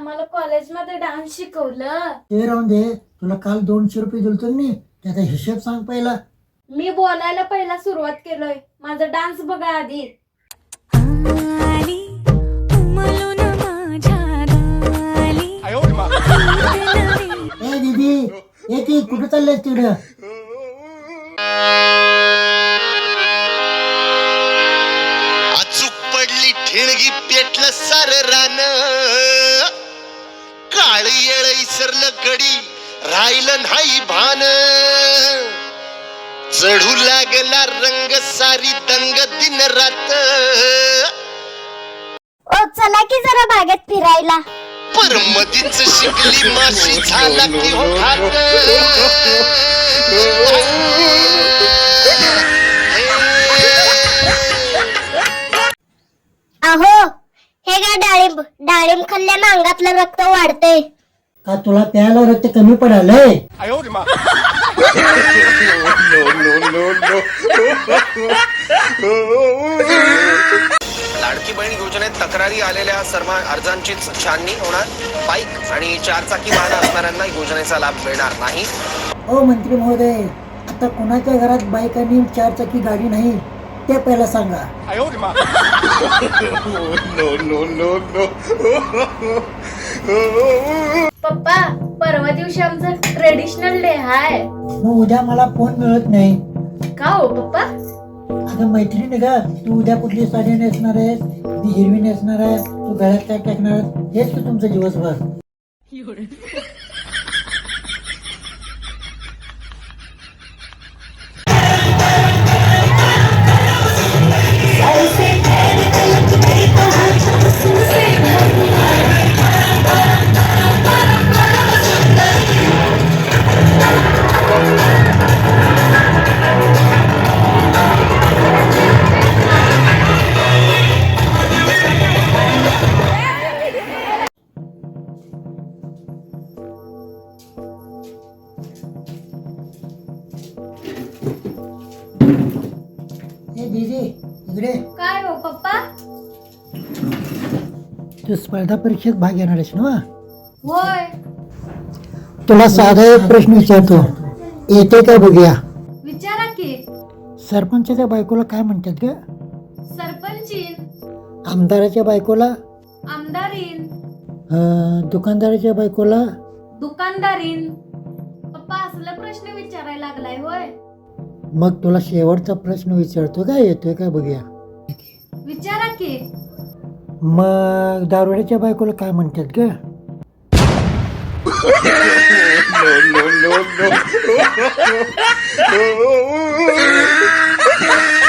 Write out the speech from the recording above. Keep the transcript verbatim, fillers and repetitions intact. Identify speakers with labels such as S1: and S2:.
S1: आम्हाला कॉलेजमध्ये डान्स शिकवलं.
S2: ते राहून दे, तुला काल दोनशे रुपये दिलतो मी, त्याचा हिशोब सांग पहिला.
S1: मी बोलायला पहिला सुरुवात केलोय, माझा डान्स बघा आधी.
S2: ए दीदी, ए ती कुठं चाललंय तिकडं?
S3: अचूक पडली ठिणगी पेटलं सार रान, काळ येळ इसरलं गडी राहिलं नाही भान, चढू लागला रंग सारी दंग दिन रात.
S4: ओ चला की जरा बागेत फिरायला.
S3: पर मधीच शिकली माशी झाला की हो घात.
S4: अहो हे काय डाळिंब डाळिंब खाल्ल्यानं अंगातलं रक्त वाढतंय.
S2: का तुला प्यायला रक्त कमी पडालंय?
S5: लाडकी बहीण योजनेत तक्रारी आलेल्या सर्व अर्जांचीच छाननी होणार. बाईक आणि चारचाकी वाहन असणाऱ्यांना योजनेचा लाभ मिळणार नाही.
S2: ओ मंत्री महोदय, आता कोणाच्या घरात बाईक आणि चारचाकी गाडी नाही ते पहिला सांगा.
S1: पप्पा, परवा दिवशी आमचं ट्रेडिशनल डे हाय.
S2: मग उद्या मला फोन मिळत नाही.
S1: का हो पप्पा?
S2: अगं मैत्रिणी का, तू उद्या कुठली साडी नेसणार आहेस? ती हिरवी नेसणार आहे, तू गळ्यात काय टाकणार आहेस? हेच तू तुमचं दिवसभर. ए दीदी, इकडे.
S1: काय हो पप्पा?
S2: तू स्पर्धा परीक्षेत भाग घेणार आहेस ना?
S1: होय.
S2: तुला साधा एक प्रश्न विचारतो, येते का बघूया.
S1: विचारा की.
S2: सरपंचाच्या बायकोला काय म्हणतात ग?
S1: सरपंचीन.
S2: आमदाराच्या बायकोला?
S1: आमदारीन.
S2: अं, दुकानदाराच्या बायकोला?
S1: दुकानदारीन. पप्पा असला प्रश्न विचारायला लागलाय होय?
S2: मग तुला शेवटचा प्रश्न विचारतो, काय येतोय का बघूया.
S1: विचारा की.
S2: मग दारुड्याच्या बायकोला काय म्हणतात ग?
S3: no, no, no, no.